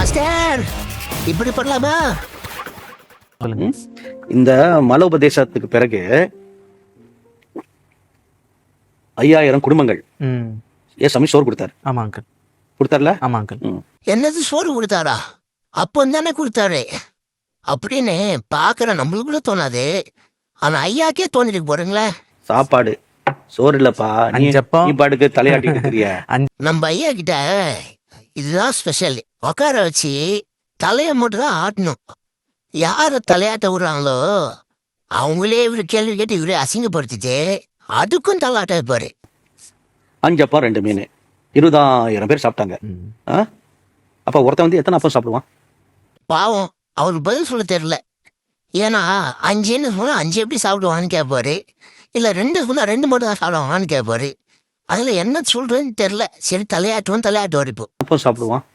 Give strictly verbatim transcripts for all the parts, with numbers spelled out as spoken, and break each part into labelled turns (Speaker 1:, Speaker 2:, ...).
Speaker 1: Master இப்படி பண்ணலாமா?
Speaker 2: சொல்லுங்க. இந்த மல உபதேசத்துக்கு பிறகு ஐயாயிரம் குடும்பங்கள் ஏசாமி சோறு கொடுத்தாரு.
Speaker 3: ஆமா அங்கிள்.
Speaker 2: கொடுத்தாருல?
Speaker 3: ஆமா அங்கிள்.
Speaker 1: என்னது சோறு கொடுத்தாரா? அப்போ தானே கொடுத்தாரு அப்படின்னு பாக்குற நம்மளுக்குள்ள தோணாது. ஆனா ஐயாக்கே தோணிருக்கு போறீங்களே.
Speaker 2: சாப்பாடு சோறு இல்லப்பா, நீ
Speaker 3: அஞ்சப்பம்.
Speaker 2: நீ பாட்டுக்கு தலையாட்டிட்டு இருக்கிறிய.
Speaker 1: நம்ம ஐயா கிட்ட இதுதான் ஸ்பெஷல். உட்கார வச்சு தலைய மட்டும் தான் ஆட்டணும். யார தலையாட்ட விடுறாங்களோ அவங்களே இவரு கேள்வி கேட்டு இவரே அசிங்கப்படுத்திட்டு அதுக்கும் தலையாட்ட இருப்பாரு.
Speaker 2: அஞ்சப்பா ரெண்டு மீன், இருபதாயிரம் பேர் சாப்பிட்டாங்க. ஆ? அப்ப ஒருத்தன் வந்து எத்தனை அப்பம் சாப்பிடுவான்?
Speaker 1: பாவம் அவருக்கு பதில் சொல்ல தெரியல. ஏன்னா அஞ்சுன்னு சொன்னா அஞ்சு எப்படி சாப்பிடுவான்னு கேட்பாரு, இல்ல ரெண்டு சொன்னா ரெண்டு மட்டும் தான் சாப்பிடுவான்னு கேட்பாரு. அதுல என்ன சொல்றேன்னு தெரியல. சரி தலையாட்டுவோம் தலையாட்டுவார். இப்போ
Speaker 2: அப்பம் சாப்பிடுவான்.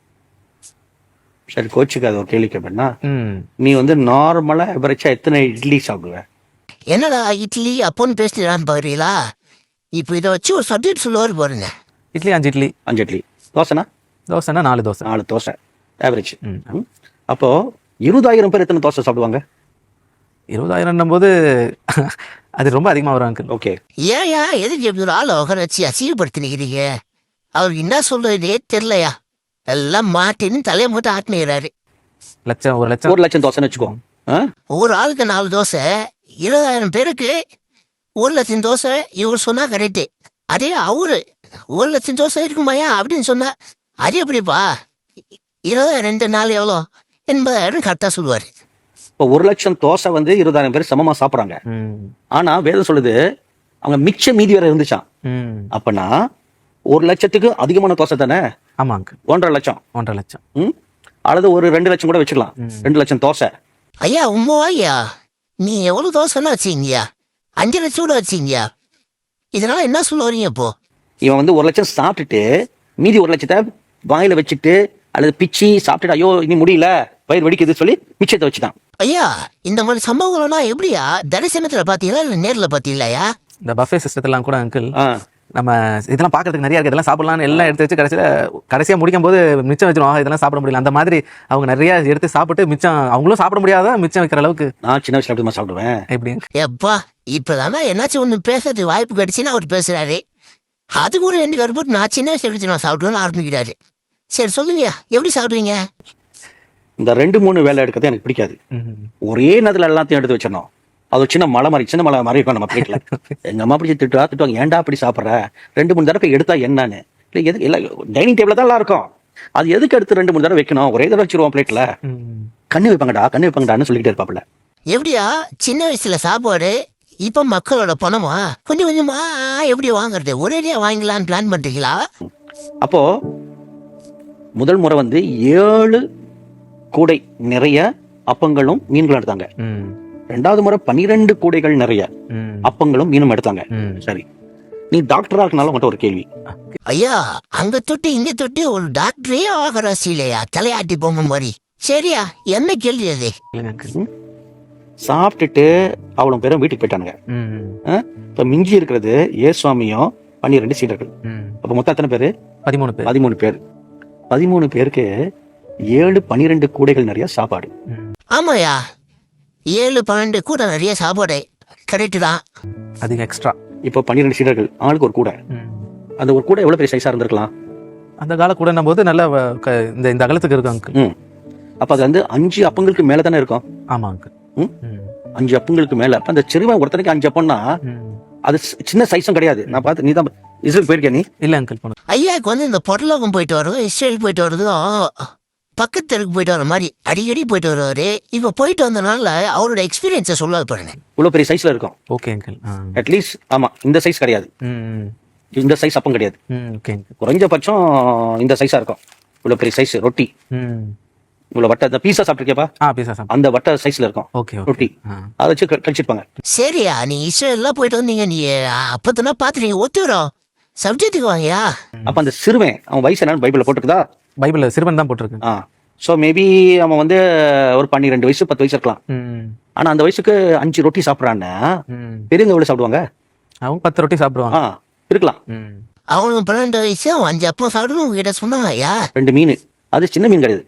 Speaker 2: சரி கோச்சுக்காத ஒரு கேள்வி கேட்பேன்னா,
Speaker 3: ம்.
Speaker 2: நீ வந்து நார்மலா எவரேஜா எத்தனை இட்லி சாப்பிடுவ?
Speaker 1: என்னடா இட்லி அப்போன்னு பேசிட்டு பாருங்களா? இப்போ இதை வச்சு ஒரு சப்ஜெக்ட் சொல்லுவார் பாருங்க.
Speaker 3: இட்லி அஞ்சு இட்லி.
Speaker 2: அஞ்சு இட்லி. தோசைனா?
Speaker 3: தோசைனா நாலு தோசை.
Speaker 2: நாலு தோசை ஆவரேஜ்.
Speaker 3: ம்.
Speaker 2: அப்போ இருபதாயிரம் பேர் எத்தனை தோசை சாப்பிடுவாங்க?
Speaker 3: இருபதாயிரம் போது அது ரொம்ப அதிகமா வரும் அங்கிள்.
Speaker 2: ஓகே.
Speaker 1: ஏன் ஏன் எதுக்கு எப்படி ஒரு ஆளை உட்கார வச்சு அசிங்கப்படுத்தி நிற்கிறீங்க? அவருக்கு என்ன சொல்றதே தெரியலையா? எல்லாம் மாட்டின்னு தலையை மட்டும் ஆட்டினுறாரு.
Speaker 3: லட்சம் ஒரு லட்சம்
Speaker 2: ஒரு லட்சம் தோசைன்னு வச்சுக்கோ. ஆ?
Speaker 1: ஒரு ஆளுக்கு நாலு தோசை, இருபதாயிரம் பேருக்கு ஒரு லட்சம் தோசை. இவர் சொன்னா கரெக்டு. அதே அவரு ஒரு லட்சம் தோசை இருக்குமாயா அப்படின்னு சொன்னா அது எப்படிப்பா? இருபதாயிரம் ரெண்டு நாள் எவ்வளோ எண்பதாயிரம் கரெக்டாக சொல்லுவார்.
Speaker 2: இப்போ ஒரு லட்சம் தோசை வந்து இருபதாயிரம் பேர் சமமா சாப்பிட்றாங்க.
Speaker 3: ம்.
Speaker 2: ஆனா வேதம் சொல்லுது அவங்க மிச்ச மீதி வேற இருந்துச்சான்.
Speaker 3: ம்.
Speaker 2: அப்பனா ஒரு லட்சத்துக்கு அதிகமான தோசை தானே?
Speaker 3: ஆமா அங்கிள்.
Speaker 2: ஒன்றரை லட்சம்.
Speaker 3: ஒன்றரை லட்சம்.
Speaker 2: ம் அல்லது ஒரு ரெண்டு லட்சம் கூட வச்சுக்கலாம். ரெண்டு லட்சம் தோசை.
Speaker 1: ஐயா உண்மைவா ஐயா? நீ எவ்வளோ தோசைன்னா வச்சிங்கயா? அஞ்சு லட்சம் கூட வச்சிங்கயா? இதனால என்ன சொல்ல வரீங்க இப்போ?
Speaker 2: இவன் வந்து ஒரு லட்சம் சாப்பிட்டுட்டு மீதி ஒரு லட்சத்தை வாயில வச்சுட்டு அல்லது பிச்சு சாப்பிட்டுட்டு ஐயோ இனி முடியல வயிறு வெடிக்குது சொல்லி மிச்சத்தை வச்சுட்டான்.
Speaker 1: ஐயா இந்த மாதிரி சம்பவங்கள்லாம் எப்படியா? தரிசனத்துல பாத்தீங்களா இல்ல நேர்ல பாத்தீங்களாயா?
Speaker 3: இந்த பஃபே சிஸ்டத்தெல்லாம் கூட அங்கிள்
Speaker 2: ஆ.
Speaker 3: நம்ம இதெல்லாம் பார்க்கறதுக்கு நிறைய இருக்கு, இதெல்லாம் சாப்பிடலாம்னு எல்லாம் எடுத்து வச்சு கடைசியில் கடைசியாக முடிக்கும் போது மிச்சம் வச்சிருவாங்க. இதெல்லாம் சாப்பிட முடியல. அந்த மாதிரி அவங்க நிறைய எடுத்து சாப்பிட்டு மிச்சம் அவங்களும் சாப்பிட முடியாத மிச்சம் வைக்கிற அளவுக்கு.
Speaker 2: நான் சின்ன வயசுல அப்படி சாப்பிடுவேன்.
Speaker 3: எப்படி?
Speaker 1: எப்பா இப்பதானா என்னாச்சும் ஒண்ணு பேசுறதுக்கு வாய்ப்பு கிடைச்சுன்னா அவர் பேசுறாரு. அது கூட ரெண்டு பேர் போட்டு நான் சின்ன வயசு எடுத்து நான் சாப்பிடுவேன்னு ஆரம்பிக்கிறாரு. சரி சொல்லுங்க எப்படி சாப்பிடுவீங்க?
Speaker 2: இந்த ரெண்டு மூணு வேலை எடுக்கிறது எனக்கு பிடிக்காது. ஒரே நேரத்தில் எல்லாத்தையும் எடுத்து வச்சிடணும். அது ஒரு சின்ன மலை மாதிரி சின்ன மலை மாதிரி இருக்கும் நம்ம பிளேட்ல. எங்க அம்மா பிடிச்சி திட்டுவா திட்டுவாங்க, ஏன்டா அப்படி சாப்பிட்ற? ரெண்டு மூணு தடவை எடுத்தா என்னன்னு இல்லை எது இல்லை டைனிங் டேபிள் தான் எல்லாம் இருக்கும். அது எதுக்கு எடுத்து ரெண்டு மூணு தடவை வைக்கணும்? ஒரே தடவை வச்சிருவோம் பிளேட்ல. கண்ணு வைப்பாங்கடா கண்ணு வைப்பாங்கடான்னு சொல்லிக்கிட்டே இருப்பாப்புல.
Speaker 1: எப்படியா சின்ன வயசுல சாப்பாடு இப்ப மக்களோட பணமா கொஞ்சம் கொஞ்சமா எப்படி வாங்குறது? ஒரேடியா வாங்கலான்னு பிளான் பண்றீங்களா?
Speaker 2: அப்போ முதல் முறை வந்து ஏழு கூடை நிறைய அப்பங்களும் மீன்களும் எடுத்தாங்க. ரெண்டாவது முறை பனிரெண்டு கூடைகள் நிறைய அப்பங்களும் மீனும் எடுத்தாங்க. சரி, நீ டாக்டரா இருக்கனால உங்கள்கிட்ட ஒரு கேள்வி.
Speaker 1: ஐயா அங்க தொட்டு இங்க தொட்டு ஒரு டாக்டரே ஆகிற இல்லையா தலையாட்டி போங்க மாதிரி. சரியா என்ன கேள்வி அது?
Speaker 2: சாப்பிட்டுட்டு அவ்வளவு பேரும் வீட்டுக்கு போயிட்டானுங்க. இப்ப மிஞ்சி இருக்கிறது ஏசுவாமியும் பன்னிரெண்டு சீடர்கள். அப்ப மொத்தம் எத்தனை பேரு?
Speaker 3: பதிமூணு பேர்.
Speaker 2: பதிமூணு பேர். பதிமூணு பேருக்கு ஏழு பனிரெண்டு கூடைகள் நிறைய சாப்பாடு.
Speaker 1: ஆமாயா ஏழு பன்னெண்டு கூட நிறைய சாப்பாடு கரெக்டு தான்.
Speaker 3: அதிக எக்ஸ்ட்ரா.
Speaker 2: இப்போ பன்னிரெண்டு சீடர்கள் ஆளுக்கு ஒரு கூடை. அந்த ஒரு கூடை எவ்வளவு பெரிய சைஸா இருந்திருக்கலாம்?
Speaker 3: அந்த கால கூட போது நல்ல இந்த இந்த அகலத்துக்கு இருக்கும் அங்கிள்.
Speaker 2: ம் அப்ப அது வந்து அஞ்சு அப்பங்களுக்கு மேல தானே இருக்கும்.
Speaker 3: ஆமா அங்கிள்.
Speaker 2: அஞ்சு அப்பங்களுக்கு மேல. அப்ப அந்த சிறுவன் ஒருத்தனுக்கு அஞ்சு அப்பம்னா அது சின்ன சைஸும் கிடையாது. நான் பார்த்து நீ தான் இஸ்ரேல் போயிருக்கியா? நீ
Speaker 3: இல்ல அங்கிள் போன.
Speaker 1: ஐயாவுக்கு வந்து இந்த பொருளோகம் போயிட்டு வர்றதும் இஸ்ரேல் போயிட்டு வர்றதும் பக்கத்துக்கு போயிட்டு வர மாதிரி அடிக்கடி போயிட்டு வருவாரு. இப்ப போயிட்டு வந்தனால அவரோட எக்ஸ்பீரியன்ஸை சொல்லாது பாருங்க.
Speaker 2: இவ்வளவு பெரிய சைஸ்ல இருக்கும்.
Speaker 3: Okay uncle.
Speaker 2: அட்லீஸ்ட் ஆமா இந்த சைஸ் கிடையாது. இந்த சைஸ் அப்பம் கிடையாது. குறைஞ்சபட்சம் இந்த சைஸா இருக்கும். இவ்வளவு பெரிய சைஸ் ரொட்டி. இவ்வளவு வட்ட அந்த பீஸா சாப்பிட்டுருக்கியப்பா? அந்த வட்ட சைஸ்ல இருக்கும் ரொட்டி. அதை வச்சு கழிச்சிருப்பாங்க.
Speaker 1: சரியா நீ இஸ்ரேல்லாம் போயிட்டு வந்தீங்க, நீ அப்பத்தனா பாத்துறீங்க ஒத்துறோம் சப்ஜெக்டுக்கு வாங்கயா.
Speaker 2: அப்ப அந்த சிறுவன் அவன் வயசு என்னன்னு பைபிள்ல போட்டுருக்குதா?
Speaker 3: பைபிள்ல சிறுவன் தான் போட்டிருக்கு.
Speaker 2: ஆ சோ மேபி அவன் வந்து ஒரு பன்னிரெண்டு வயசு பத்து வயசு இருக்கலாம். ஆனா அந்த வயசுக்கு அஞ்சு ரொட்டி சாப்பிடறான்னா பெரியவங்க எவ்வளவு சாப்பிடுவாங்க?
Speaker 3: அவங்க பத்து ரொட்டி சாப்பிடுவாங்க.
Speaker 2: இருக்கலாம்.
Speaker 1: அவனுக்கு பன்னெண்டு வயசு அவன் அஞ்சு அப்பம் சாப்பிடணும் உங்ககிட்ட சொன்னாங்க ஐயா.
Speaker 2: ரெண்டு மீன், அது சின்ன மீன் கிடையாது.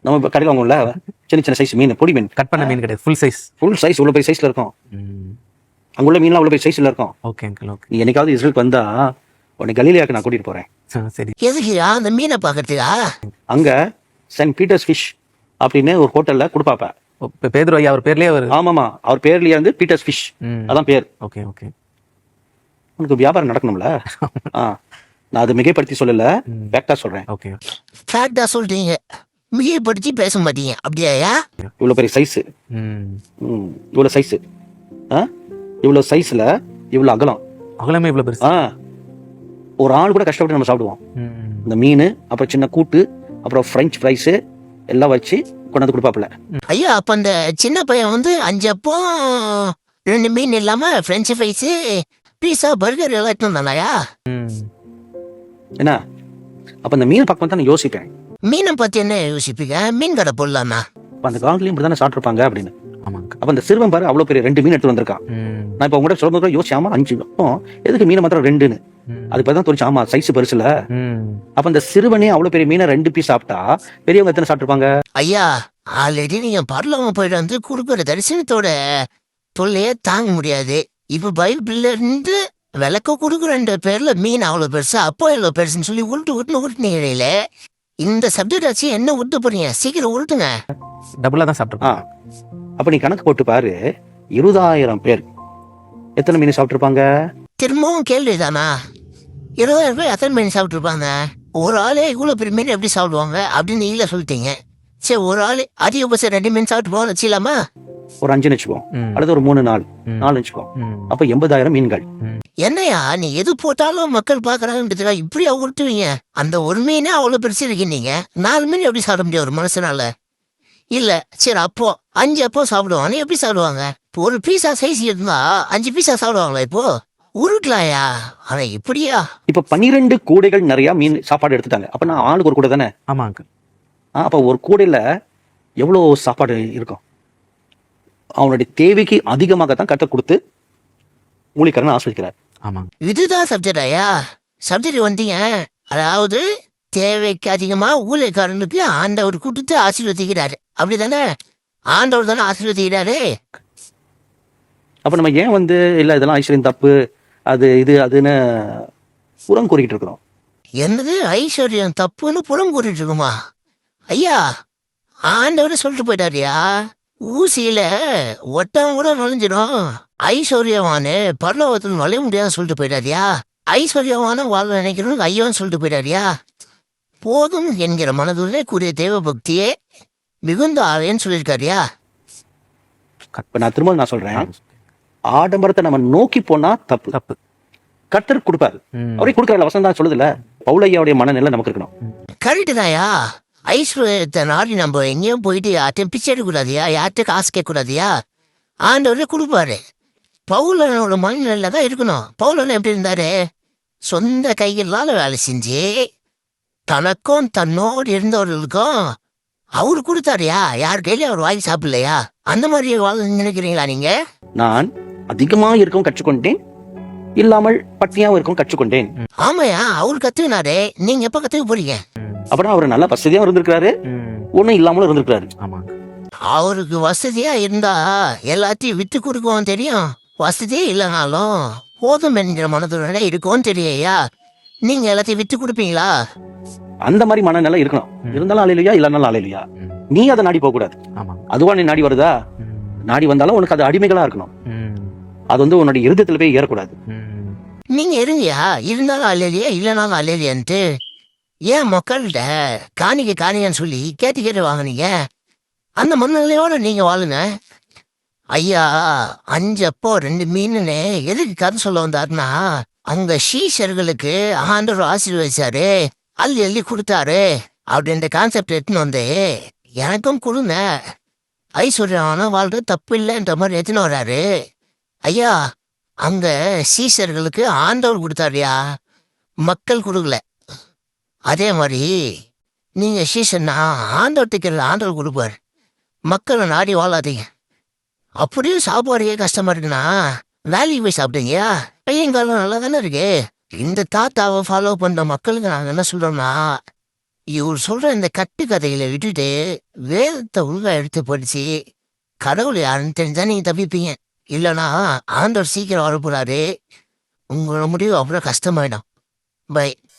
Speaker 2: நம்ம இப்போ கடையில் வாங்குவோம்ல சின்ன சின்ன சைஸ் மீன் பொடி மீன்
Speaker 3: கட் பண்ண மீன் கிடையாது, ஃபுல் சைஸ்.
Speaker 2: ஃபுல் சைஸ் இவ்வளோ பெரிய சைஸில் இருக்கும். அங்குள்ள மீன்லாம் அவ்வளோ பெரிய சைஸில் இருக்கும்.
Speaker 3: Okay uncle, okay.
Speaker 2: நீ என்னைக்காவது இஸ்ரேலுக்கு வந்தா உன்னை கலீலியாவுக்கு நான் கூட்டிகிட்டு போகிறேன்.
Speaker 3: சரி.
Speaker 1: எதுக்குயா அந்த மீனை பார்க்கறதுக்கா?
Speaker 2: அங்கே சென்ட் பீட்டர்ஸ் ஃபிஷ் அப்படின்னு ஒரு ஹோட்டலில் கொடுப்பாப்ப.
Speaker 3: பேதுரு ஐயா அவர் பேர்லேயே அவர்.
Speaker 2: ஆமாம்மா, அவர் பேர்லேயே வந்து பீட்டர்ஸ் ஃபிஷ், அதான் பேர்.
Speaker 3: Okay okay.
Speaker 2: உனக்கு வியாபாரம் நடக்கணும்ல. ஆ, நான் அதை மிகைப்படுத்தி சொல்லல, ஃபேக்டா சொல்றேன்.
Speaker 3: ஓகே,
Speaker 1: ஃபேக்டா சொல்றீங்க, மிகைப்படுத்தி பேச மாட்டீங்க அப்படியா?
Speaker 2: இவ்வளவு பெரிய சைஸ், இவ்வளவு சைஸ், இவ்வளவு சைஸ்ல இவ்வளவு அகலம்,
Speaker 3: அகலமே இவ்வளவு பெருசு.
Speaker 2: ஆ, ஒரு ஆள் கூட கஷ்டப்பட்டு நம்ம சாப்பிடுவோம். இந்த மீன், அப்புறம் சின்ன கூட்டு, அப்புறம் ஃப்ரெஞ்ச் ஃப்ரைஸ் எல்லாம் வச்சு கொண்டாந்து கொடுப்பாப்புல.
Speaker 1: ஐயா, அப்ப அந்த சின்ன பையன் வந்து அஞ்சு அப்போ ரெண்டு மீன் இல்லாம ஃப்ரெஞ்ச் ஃப்ரைஸ், பீஸா, பர்கர் எல்லாம் எடுத்து வந்தாயா?
Speaker 2: என்ன அப்ப அந்த மீனை பார்க்க தான் யோசிப்பேன்.
Speaker 1: மீனை பத்தி என்ன யோசிப்பீங்க? மீன் கடை போடலாமா?
Speaker 2: அந்த காலத்துலயும் இப்படிதானே சாப்பிட்டுருப்பாங்க அப்படின்னு.
Speaker 3: ஆமாங்க.
Speaker 2: அப்ப அந்த சிறுவன் பாரு அவ்வளவு பெரிய ரெண்டு மீன் எடுத்து வந்திருக்கான். நான் இப்ப உங்கள்கிட்ட சொல்லும் போது யோசிச்சு, ஆமா அஞ்சு அப்போ எதுக்கு மீனை மாத்திரம் ரெண்டுன்னு? அது இப்பதான் தோணுச்சு, ஆமா சைஸ் பெருசுல. அப்ப அந்த சிறுவனே அவ்வளவு பெரிய மீனை ரெண்டு பீஸ் சாப்பிட்டா பெரியவங்க எத்தனை சாப்பிட்டுருப்பாங்க?
Speaker 1: ஐயா, ஆல்ரெடி நீங்க பரலவங்க போயிட்டு வந்து கொடுக்குற தரிசனத்தோட தொல்லையே தாங்க முடியாது. இப்ப பைபிள்ல இருந்து விளக்க கொடுக்குற பேர்ல மீன் அவ்வளவு பெருசா, அப்போ எவ்வளவு பெருசுன்னு சொல்லி உருட்டு உருட்டுன்னு உருட்டுனீங்கள. இந்த சப்ஜெக்ட் வச்சு என்ன உருட்டு போறீங்க? சீக்கிரம் உருட்டுங்க.
Speaker 3: டபுளா தான் சாப்பிட்டுருப்பாங்க.
Speaker 2: அப்ப நீ கணக்கு போட்டு பாரு, இருபதாயிரம் பேர் எத்தனை மீன் சாப்பிட்டுருப்பாங்க?
Speaker 1: திரும்பவும் கேள்விதானா? இருபதாயிரம் பேர் எத்தனை மீன் சாப்பிட்டுருப்பாங்க? ஒரு ஆளே இவ்வளவு பெரிய மீன் எப்படி சாப்பிடுவாங்க அப்படின்னு நீங்களே சொல்லிட்டீங்க. சரி, ஒரு ஆளு அதிகபட்சம் ரெண்டு மீன் சாப்பிட்டு போக வச்சுலாமா?
Speaker 2: ஒரு அஞ்சு வச்சுக்கோம், அல்லது ஒரு மூணு நாலு நாலு வச்சுக்கோம். அப்ப எண்பதாயிரம் மீன்கள்.
Speaker 1: என்னையா நீ எது போட்டாலும் மக்கள் பாக்குறாங்க, இப்படியா உருட்டுவீங்க? அந்த ஒரு மீனே அவ்வளவு பெருசு இருக்கீங்க, நாலு மீன் எப்படி சாப்பிட முடியும் ஒரு மனுஷனால? இல்ல சரி, அப்போ அஞ்சு அப்போ சாப்பிடுவாங்க, எப்படி சாப்பிடுவாங்க? இப்போ ஒரு பீஸா சைஸ் இருந்தா அஞ்சு பீஸா சாப்பிடுவாங்களா? இப்போ உருட்டலாயா? ஆனா இப்படியா?
Speaker 2: இப்ப பன்னிரெண்டு கூடைகள் நிறைய மீன் சாப்பாடு எடுத்துட்டாங்க. அப்ப நான் ஆளுக்கு ஒரு கூடை தானே?
Speaker 3: ஆமாங்க.
Speaker 2: அப்ப ஒரு கூடையில எவ்வளவு சாப்பாடு இருக்கும்? அவனுடைய தேவைக்கு அதிகமாகத்தான் கட்ட கொடுத்து மூலிகரன் ஆஸ்வதிக்கிறார்.
Speaker 3: ஆமாங்க.
Speaker 1: இதுதான் சப்ஜெக்ட் ஐயா. சப்ஜெக்ட் வந்தீங்க, அதாவது தேவைக்கு அதிகமா ஊழியக்காரனுக்கு ஆண்டவர் கொடுத்து ஆசீர்வதிக்கிறாரு, அப்படிதானே? ஆண்டவர் தானே ஆசீர்வதிக்கிறாரு.
Speaker 2: அப்ப நம்ம ஏன் வந்து இல்ல இதெல்லாம் ஐஸ்வர்யம் தப்பு, அது இது அதுன்னு புறம் கூறிக்கிட்டு இருக்கிறோம்?
Speaker 1: என்னது ஐஸ்வர்யம் தப்புன்னு புறம் கூறிட்டு இருக்குமா? ஐயா, ஆண்டவர் சொல்லிட்டு போயிட்டாரியா, ஊசியில ஒட்டம் கூட நுழைஞ்சிடும், ஐஸ்வர்யவானு பரலோகத்தில் நுழைய முடியாதுன்னு சொல்லிட்டு போயிட்டாரியா. ஐஸ்வர்யவான வாழ நினைக்கணும் ஐயோன்னு சொல்லிட்டு போயிட்டாரியா. போதும் என்கிற மனதுள்ளே கூடிய தேவ பக்தியே மிகுந்த ஆவேன்னு சொல்லியிருக்காரியா.
Speaker 2: இப்ப நான் திரும்ப நான் சொல்றேன், ஆடம்பரத்தை நம்ம நோக்கி போனா தப்பு தப்பு. கர்த்தர் கொடுப்பாரு, அவரே கொடுக்கற வசனம் தான் சொல்லுதுல. பவுலையாவுடைய மனநிலை நமக்கு இருக்கணும்.
Speaker 1: கரெக்டு தான்யா. ஐஸ்வர்யத்தை நாடி நம்ம எங்கேயும் போயிட்டு யார்ட்டையும் பிச்சை எடுக்கக்கூடாதியா, யார்கிட்ட காசு கேட்கக்கூடாதியா. ஆண்டவரே கொடுப்பாரு. பவுலனோட மனநிலையில தான் இருக்கணும். பவுலன் எப்படி இருந்தாரு? சொந்த கைகளால வேலை செஞ்சு தனக்கும் தன்னோடு இருந்தவர்களுக்கும் அவரு கொடுத்தாருயா. யார் கையில அவர் வாங்கி சாப்பிடலையா? அந்த மாதிரி வாழ நினைக்கிறீங்களா நீங்க?
Speaker 2: நான் அதிகமா இருக்கவும் கற்றுக்கொண்டேன், இல்லாமல் பட்டினியாவும் இருக்கவும் கற்றுக்கொண்டேன்.
Speaker 1: ஆமாயா, அவரு கத்துக்கினாரு, நீங்க எப்ப கத்துக்க போறீங்க?
Speaker 2: அப்புறம் அவர் நல்ல வசதியா இருந்திருக்காரு, ஒண்ணும் இல்லாமலும் இருந்திருக்காரு.
Speaker 1: அவருக்கு வசதியா இருந்தா எல்லாத்தையும் விட்டு கொடுக்கவும் தெரியும், வசதியே இல்லைனாலும் போதும் என்கிற மனதுட இருக்கும் தெரியா. நீங்க எல்லாத்தையும் விட்டு கொடுப்பீங்களா?
Speaker 2: அந்த மாதிரி மனநிலை இருக்கணும். இருந்தாலும் ஆலையிலையா, இல்லைனாலும் ஆலையிலையா. நீ அதை நாடி போக கூடாது. அதுவா நீ நாடி வருதா? நாடி வந்தாலும் உனக்கு அது அடிமைகளா இருக்கணும். அது வந்து உன்னுடைய இருதயத்துல போய் ஏறக்கூடாது.
Speaker 1: நீங்க இருங்கயா, இருந்தாலும் அல்லையா இல்லைனாலும் அல்லையான்ட்டு ஏன் மக்கள்கிட்ட காணிக்க காணிக்கன்னு சொல்லி கேட்டு கேட்டு வாங்கினீங்க? அந்த மனநிலையோட நீங்க வாழுங்க. ஐயா, அஞ்சு அப்போ ரெண்டு மீனுன்னு எதுக்கு கதை சொல்ல வந்தாருன்னா, அங்க சீஷர்களுக்கு ஆண்டவர் ஆசீர்வதிச்சாரு, அள்ளி அள்ளி கொடுத்தாரு அப்படின்ற கான்செப்ட் எடுத்துன்னு வந்து எனக்கும் கொடுங்க, ஐஸ்வர்யான வாழ்றது தப்பு இல்லைன்ற மாதிரி எடுத்துன்னு வர்றாரு. ஐயா, அங்க சீஷர்களுக்கு ஆண்டவர் கொடுத்தாருயா, மக்கள் கொடுக்கல. அதே மாதிரி நீங்க சீசன்னா ஆண்டவர்கிட்ட ஆண்டவர் கொடுப்பாரு, மக்களை நாடி வாழாதீங்க. அப்படியும் சாப்பாடுயே கஷ்டமா இருக்குன்னா வேலைக்கு போய் சாப்பிட்டீங்க, பையங்காலம் நல்லா தானே இருக்கு. இந்த தாத்தாவை ஃபாலோ பண்ற மக்களுக்கு நாங்க என்ன சொல்றோம்னா, இவர் சொல்ற இந்த கட்டு கதைகளை விட்டுட்டு வேதத்தை உள்ள எடுத்து படிச்சு கடவுள் யாருன்னு தெரிஞ்சா நீங்க தப்பிப்பீங்க. இல்லைன்னா ஆண்டவர் சீக்கிரம் வரப்போறாரு. உங்களோட முடிவு அவ்வளோ கஷ்டமாயிடும். பை.